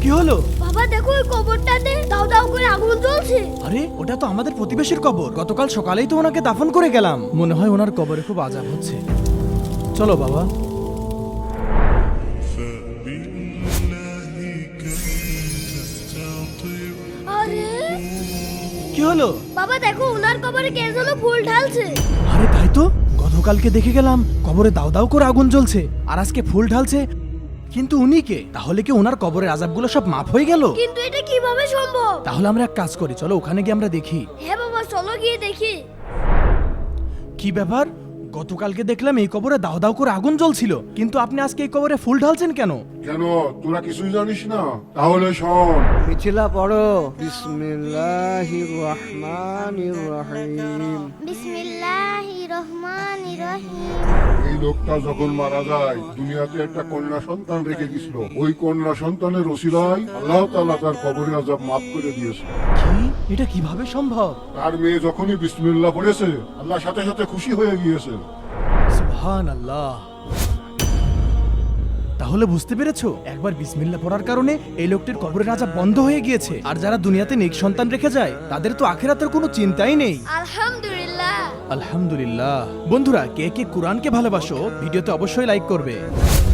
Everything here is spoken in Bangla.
কি হলো? বাবা দেখো ওই কবরটাতে দাও দাও করে আগুন জ্বলছে। আরে ওটা তো আমাদের প্রতিবেশীর কবর। গতকাল সকালেই তো ওনাকে দাফন করে গেলাম। মনে হয় ওনার কবরে খুব আযাব হচ্ছে। চলো বাবা। আরে কি হলো? বাবা দেখো ওনার কবরে কে যেন ফুল ঢালছে। আরে তাই তো, গতকালকে দেখে গেলাম কবরে দাও দাও করে আগুন জ্বলছে, আর আজকে ফুল ঢালছে। কিন্তু উনি কে? তাহলে কি ওনার কবরের আযাবগুলো সব মাফ হয়ে গেল? কিন্তু এটা কিভাবে সম্ভব? তাহলে আমরা এক কাজ করি, চলো ওখানে গিয়ে আমরা দেখি। হ্যাঁ বাবা চলো গিয়ে দেখি। কি ব্যাপার? গতকালকে দেখলাম এই কবরে দাও দাও করে আগুন জ্বলছিল, কিন্তু আপনি আজকে এই কবরে ফুল ঢালছেন কেন? কেন তোরা কিছুই জানিস না? তাহলে শোন। মিছিলা পড়ো। বিসমিল্লাহির রহমানির রহিম। বিসমিল্লাহির রহমানির রহিম। এই লোকটা যখন মারা যায় দুনিয়াতে একটা কন্যা সন্তান রেখে গেছিল। ওই কন্যা সন্তানের ওসিলায় আল্লাহ তাআলা তার কবরের আযাব মাফ করে দিয়েছে। কি? এটা কিভাবে সম্ভব? তার মেয়ে যখনই বিসমিল্লাহ পড়েছে আল্লাহ সাথে সাথে খুশি হয়ে গিয়েছে। সুবহানাল্লাহ। তাহলে বুঝতে পেরেছো, একবার বিসমিল্লাহ পড়ার কারণে এই লোকটির কবরের আযাব বন্ধ হয়ে গিয়েছে। আর যারা দুনিয়াতে নেক সন্তান রেখে যায় তাদের তো আখিরাতের কোনো চিন্তাই নেই। আলহামদুলিল্লাহ। আলহামদুলিল্লাহ। বন্ধুরা, কে কে কুরআনকে ভালোবাসো ভিডিওতে অবশ্যই লাইক করবে।